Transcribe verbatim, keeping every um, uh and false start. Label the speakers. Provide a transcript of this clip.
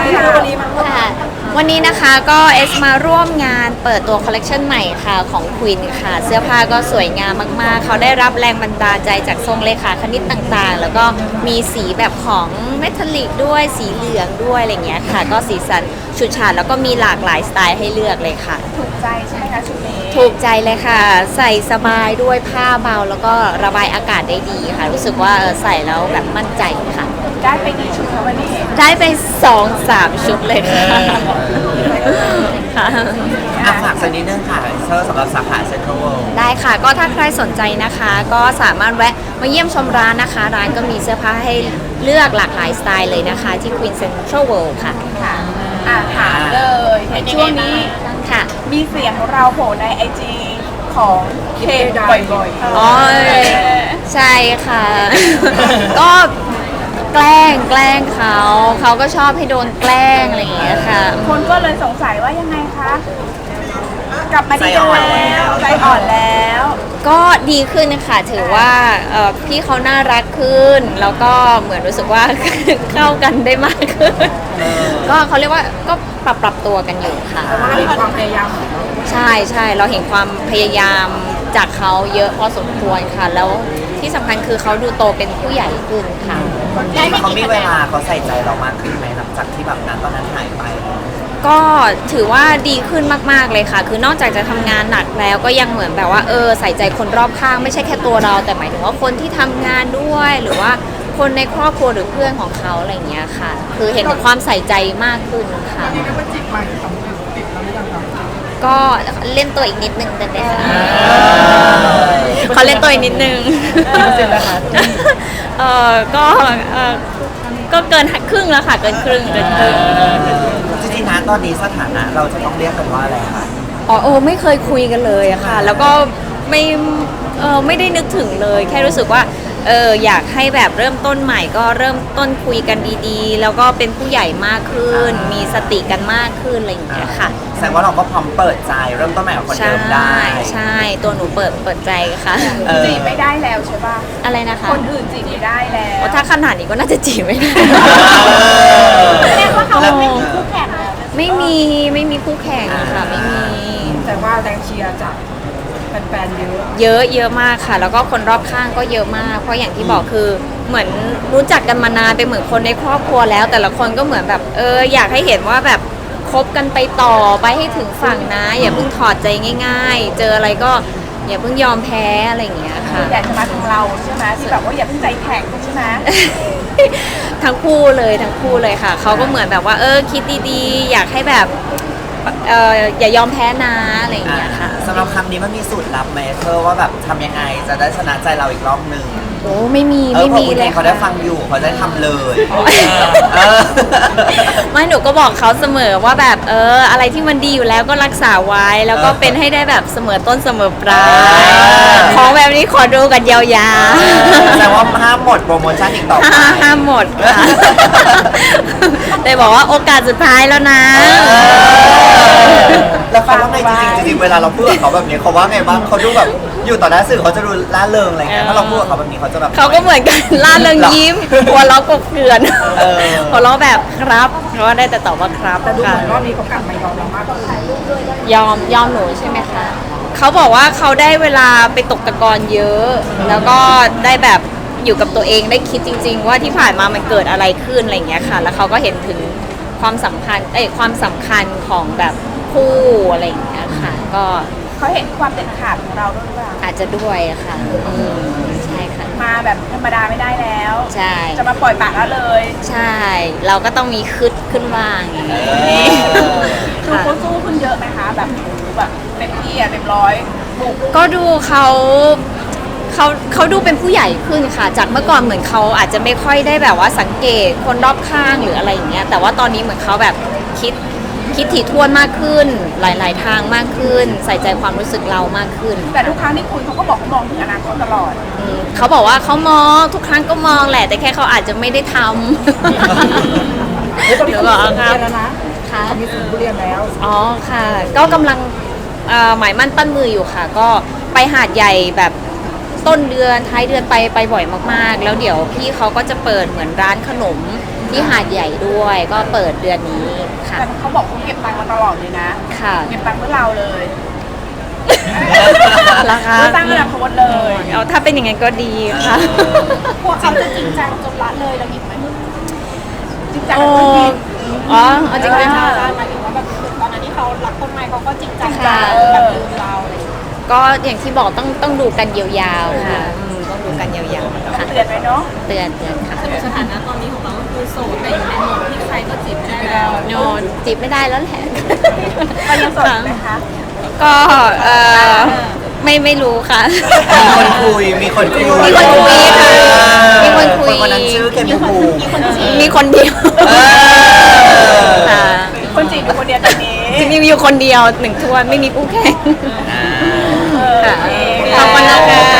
Speaker 1: คือวันนี้มันก็
Speaker 2: ค่ะวันนี้นะคะก็เอสมาร่วมงานเปิดตัวคอลเลกชันใหม่ค่ะของควีนค่ะ เสื้อผ้าก็สวยงามมากๆ เขาได้รับแรงบันดาลใจจากทรงเลขาคณิตต่างๆ แล้วก็มีสีแบบของเมทัลลิกด้วยสีเหลืองด้วยอะไรเงี้ยค่ะ ก็สีสันชุดฉาดแล้วก็มีหลากหลายสไตล์ให้เลือกเลยค่ะ
Speaker 1: ถูกใจใช่ไหมคะชุดนี้
Speaker 2: ถูกใจเลยค่ะ ใส่สบายด้วยผ้าเบาแล้วก็ระบายอากาศได้ดีค่ะ รู้สึกว่าเออใส่แล้วแบบมั่นใจค่ะ
Speaker 1: ได้ไปกี่ชุดคะวันนี้
Speaker 2: ได้ไปสองสามชุดเลยค่ะค่ะ
Speaker 3: อ่ะฝากสักนิดนึงค่ะเซอร์สำหรับสาขาเซ็นทรัลเวิลด์
Speaker 2: ได้ค่ะก็ถ้าใครสนใจนะคะ ก็สามารถแวะมาเยี่ยมชมร้านนะคะ ร้านก็มีเสื้อผ้าให้เลือกหลากหลายสไตล์เลยนะคะ ที่ Queen Central World ค่ะ
Speaker 1: ค่ะอ่าถามเลยเห็นช่วงนี้
Speaker 2: ค่ะ
Speaker 1: มีเสียงของเราโผล่ในไอจีของเคบ่อยๆ
Speaker 2: อ๋อ ใช่ค่ะ ก็แกล้งแกล้งเขาเขาก็ชอบให้โดนแกล้งอะไรอย่างเงี้ยค่ะ
Speaker 1: คนก็เลยสงสัยว่ายังไงคะ กลับมาดีกันแล้วใจอ่อนแล้ว
Speaker 2: ก็ดีขึ้นค่ะถือว่าเอ่อพี่เขาน่ารักขึ้น แล้วก็เหมือนรู้สึกว่า เข้ากันได้มากขึ้น ก็เขาเรียกว่าก็ปรับปรับตัวกันอยู่ค่ะ
Speaker 1: แต่ว่ามีความพยายามของเรา
Speaker 2: ใช่ใช่เราเห็นความพยายามจากเขาเยอะพอสมควรค่ะ แล้วที่สำคัญคือเขาดูโตเป็นผู้ใหญ่ขึ้นค่ะ
Speaker 3: เขามีเวลาเขาใส่ใจเรามากขึ้นไหมหลังจากที่แบบนั้นตอนนั้นหายไป
Speaker 2: ก็ถือว่าดีขึ้นมากๆเลยค่ะ คือนอกจากจะทำงานหนักแล้วก็ยังเหมือนแบบว่าเออใส่ใจคนรอบข้างไม่ใช่แค่ตัวเรา แต่หมายถึงว่าคนที่ทำงานด้วยหรือว่าคนในครอบครัวหรือเพื่อนของเขาอะไรอย่างเงี้ยค่ะ คือเห็นถึงความใส่ใจมากขึ้นค่ะก็เล่นตัวอีกนิดนึงได้ไหมคะเขาเล่นตัวอีกนิดนึง
Speaker 3: เสร็จแล้วค่ะ
Speaker 2: เออก็เออก็เกินครึ่งแล้วค่ะเกินครึ่งเกินครึ่ง
Speaker 3: จริงๆนะตอนนี้สถานะเราจะต้องเรียกกันว่าอะไรคะ
Speaker 2: อ๋อโอ้ไม่เคยคุยกันเลยอะค่ะ แล้วก็ไม่เออไม่ได้นึกถึงเลย แค่รู้สึกว่าเอออยากให้แบบเริ่มต้นใหม่ก็เริ่มต้นคุยกันดีๆ แล้วก็เป็นผู้ใหญ่มากขึ้น มีสติกันมากขึ้นอะไรอย่างเงี้ยค่ะ
Speaker 3: แสดงว่าเราก็พร้อมเปิดใจเริ่มต้นใหม่กับคน
Speaker 2: ใช่
Speaker 3: เดิมได้
Speaker 2: ใช่ตัวหนูเปิดเปิดใจค่ะ
Speaker 3: เออ
Speaker 1: จีบไม่ได้แล้วใช่ป่ะ
Speaker 2: อะไรนะคะ
Speaker 1: คนอื่นจีบไม่ได้แล้ว
Speaker 2: โอ้ถ้าขนาดนี้ก็น่าจะจีบไม่ได้
Speaker 1: แสดงว่าเขาไม่มีคู่แข่งแล้ว
Speaker 2: ไม่มีไม่มีคู่แข่งค่ะไม่มี
Speaker 1: แต่ว่าแรงเชียร์จากแฟนๆเยอะ
Speaker 2: เยอะเยอะมากค่ะ แล้วก็คนรอบข้างก็เยอะมาก เพราะอย่างที่บอกคือเหมือนรู้จักกันมานานเป็นเหมือนคนในครอบครัวแล้ว แต่ละคนก็เหมือนแบบเอออยากให้เห็นว่าแบบคบกันไปต่อไปให้ถึงฝั่งนะ อย่าเพิ่งถอดใจง่าย ๆ เจออะไรก็อย่าเพิ่งยอมแพ้อะไรอย่างเงี้ยค่ะ
Speaker 1: อยากจะมาถึงเราใช่ไหมที่แบบว่าอย่าเพิ่งใจแข็งใช่ไหม
Speaker 2: ทั้งคู่เลยทั้งคู่เลยค่ะเขาก็เหมือนแบบว่าเออคิดดีๆ อยากให้แบบเอออย่ายอมแพ้นะอะไรอย่างเงี้ยค่ะ
Speaker 3: สำหรับคำนี้มันมีสูตรลับไหมเธอว่าแบบทำยังไงจะได้ชนะใจเราอีกรอบหนึ่ง
Speaker 2: โอ้ไม่มี
Speaker 3: เออ
Speaker 2: ไม่
Speaker 3: พอ
Speaker 2: มี
Speaker 3: คุณ
Speaker 2: เล
Speaker 3: เอย งเขาได้ฟังอยู่เขาได้ทำเลยเออ
Speaker 2: ไม่หนูก็บอกเขาเสมอว่าแบบเอออะไรที่มันดีอยู่แล้วก็รักษาไว้ แล้วก็
Speaker 3: เออ
Speaker 2: เป็นให้ได้แบบเสมอต้นเสมอปลาย
Speaker 3: อ
Speaker 2: ของแบบนี้ขอดูกันยาว
Speaker 3: แสดงว่าห้ามหมดโปรโมชั่นอีกต่อ
Speaker 2: ๆ
Speaker 3: ไป
Speaker 2: ห้าห้ามหมดค่ะแต่บอกว่าโอกาสสุดท้ายแล้วนะ
Speaker 3: แล้วเขาว่าไงจริงๆจริงๆเวลาเราพูดกับเขาแบบนี้เขาว่าไงบ้างเขาดูแบบอยู่ต่อหน้าสื่อเขาจะดูล่าเริงอะไรเงี้ยถ้าเราพูดกับเขาแบบนี้เขาจะแบบ
Speaker 2: เขาก็เหมือนกันล่าเริงยิ้มหัวเราะกบเกลื่อน
Speaker 3: เออ
Speaker 2: หัวเราะแบบครับเพราะว่าได้แต่ตอบว่าครับ
Speaker 1: แต่ดูเห
Speaker 2: ค่ะ
Speaker 1: มือนรอบนี้เขากลับมายอมเรามากกว่า
Speaker 2: ยอมยอมหนูใช่ไหมคะ เขาบอกว่าเขาได้เวลาไปตกตะกอนเยอะ แล้วก็ได้แบบอยู่กับตัวเองได้คิดจริง ๆ ว่าที่ผ่านมามันเกิดอะไรขึ้นอะไรอย่างเงี้ยค่ะ แล้วเขาก็เห็นถึงความสำคัญเอ้ยความสำคัญของแบบคู่อะไรอย่างเงี้ยค่ะ ก็
Speaker 1: เขาเห็นความเด็ดขาดของเราด้วยหรือเปล่า
Speaker 2: อาจจะด้วยอะค่ะอืมใช่ค่ะ
Speaker 1: มาแบบธรรมดาไม่ได้แล้ว
Speaker 2: ใช่
Speaker 1: จะมาปล่อยปากแล้วเลย
Speaker 2: ใช่ เราก็ต้องมีคึดขึ้นบ้างอย่าง
Speaker 3: เอ
Speaker 2: นี้
Speaker 3: อ
Speaker 1: ดูเขาสู้ขึ้นเยอะไหมคะแบบแบบเต็มที่อะเต็มร้อยบุก
Speaker 2: ก็ดูเขาเขาเขาดูเป็นผู้ใหญ่ขึ้นค่ะ จากเมื่อก่อนเหมือนเขาอาจจะไม่ค่อยได้แบบว่าสังเกตคนรอบข้างหรืออะไรอย่างเงี้ย แต่ว่าตอนนี้เหมือนเขาแบบคิดคิดถี่ถ้วนมากขึ้น หลาย ๆ ทางมากขึ้น ใส่ใจความรู้สึกเรามากขึ้น
Speaker 1: แต่ทุกครั้งที่คุยเขาก็บอกเขามองถึงอนาคตตลอด
Speaker 2: อืมเขาบอกว่าเขามองทุกครั้งก็มองแหละ แต่แค่เขาอาจจะไม่ได้ทำ
Speaker 1: เฮ้ยตอนนี้
Speaker 2: หนู
Speaker 1: เขา
Speaker 2: บอก
Speaker 1: มี
Speaker 2: ครับ
Speaker 1: เรียนแล้วนะ
Speaker 2: ค่ะ
Speaker 1: เขามีสูตรเรียนแล้ว
Speaker 2: อ๋อค่ะ ก็กำลังเอ่อหมายมั่นปั้นมืออยู่ค่ะ ก็ไปหาดใหญ่แบบต้นเดือนท้ายเดือนไปไปบ่อยมากๆ แล้วเดี๋ยวพี่เขาก็จะเปิดเหมือนร้านขนมที่หาดใหญ่ด้วย ก็เปิดเดือนนี้ค่ะ
Speaker 1: แต่เขาบอกเขาเก็บตังค์มาตลอดเลยนะ
Speaker 2: ค่ะ
Speaker 1: เก็บตังค์เพื่อเราเลย
Speaker 2: ราคา
Speaker 1: เพื่อสร้างอนาคตเลย
Speaker 2: เอาถ้าเป็นอย่างนั้นก็ดีค่ะ
Speaker 1: พวกเขาจะจริงจังจนละเลยเราหยิบไหมจริงจัง
Speaker 2: โอ้
Speaker 1: กับธุรกิจ
Speaker 2: อ๋อเอาจริงไหมคะ
Speaker 1: หมายถึงว่าแบบตอนนั้นที่เขารักต้นไม้เขาก็จริงจัง
Speaker 2: ค่ะ
Speaker 1: แบบลืมเราอะไรอย่างเงี้ย
Speaker 2: ก็อย่างที่บอกต้องต้องดูกันยาวๆค่ะอืมต้องดูกันยาวๆค่ะ
Speaker 1: เตือนไว้เนาะ
Speaker 2: เตือนเตือนค่ะ
Speaker 4: สถานะตอนนี้ของเราก็คือโสดแต่อยู่ในโหมดที่ใครก็จีบได้แล้ว
Speaker 2: โนจีบไม่ได้แล้วแหละ
Speaker 1: เรายังโสดอยู่ไหมคะ
Speaker 2: ก็เออไม่ไม่รู้ค่ะ
Speaker 3: มีคนคุยมีคนคุย
Speaker 2: มีคนคุยค่ะมีคนคุย
Speaker 3: คนนั้นชื่อเคนภูมิ
Speaker 2: มีคนเดียว
Speaker 3: เออ
Speaker 2: ค่ะ
Speaker 1: คนจีบเป็นคนเดียวตอนนี้
Speaker 2: จริงๆมีอยู่คนเดียวหนึ่งทวนไม่มีคู่แข่ง
Speaker 1: เออ
Speaker 2: ค่ะ
Speaker 1: โอเค
Speaker 2: ขอบคุณนะคะ